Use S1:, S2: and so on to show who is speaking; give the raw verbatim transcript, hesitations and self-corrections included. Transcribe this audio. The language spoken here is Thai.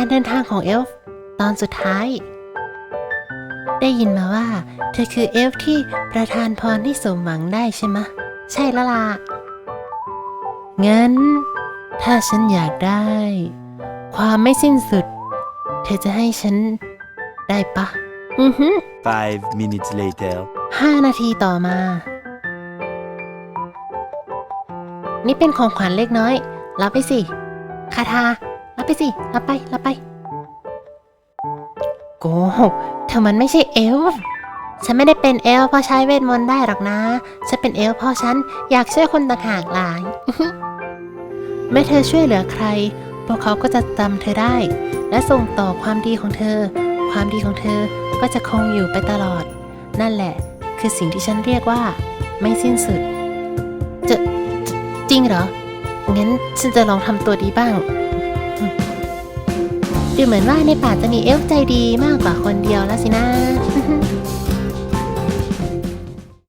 S1: การเดินทางของเอลฟ์ตอนสุดท้าย ได้ยินมาว่าเธอคือเอลฟ์ที่ประทานพรที่สมหวังได้ใช่ไหมะใช่ละล่ะงั้นถ้าฉันอยากได้ความไม่สิ้นสุดเธอจะให้ฉันได้ปะอือฮึ
S2: Five minutes later.
S1: ห้านาทีต่อมา นี่เป็นของขวัญเล็กน้อยรับไปสิคาทารับไปสิรับไปรับไปโกหกเธอมันไม่ใช่เอลฟ์ฉันไม่ได้เป็นเอลฟ์เพราะใช้เวทมนต์ได้หรอกนะฉันเป็นเอลฟ์เพราะฉันอยากช่วยคนต่างหากหลาย เมื่อเธอช่วยเหลือใครพวกเขาก็จะจำเธอได้และส่งต่อความดีของเธอความดีของเธอก็จะคงอยู่ไปตลอดนั่นแหละคือสิ่งที่ฉันเรียกว่าไม่สิ้นสุดจะจะจริงเหรองั้นฉันจะลองทำตัวดีบ้างดูเหมือนว่าในป่าจะมีเอลฟ์ใจดีมากกว่าคนเดียวแล้วสินะ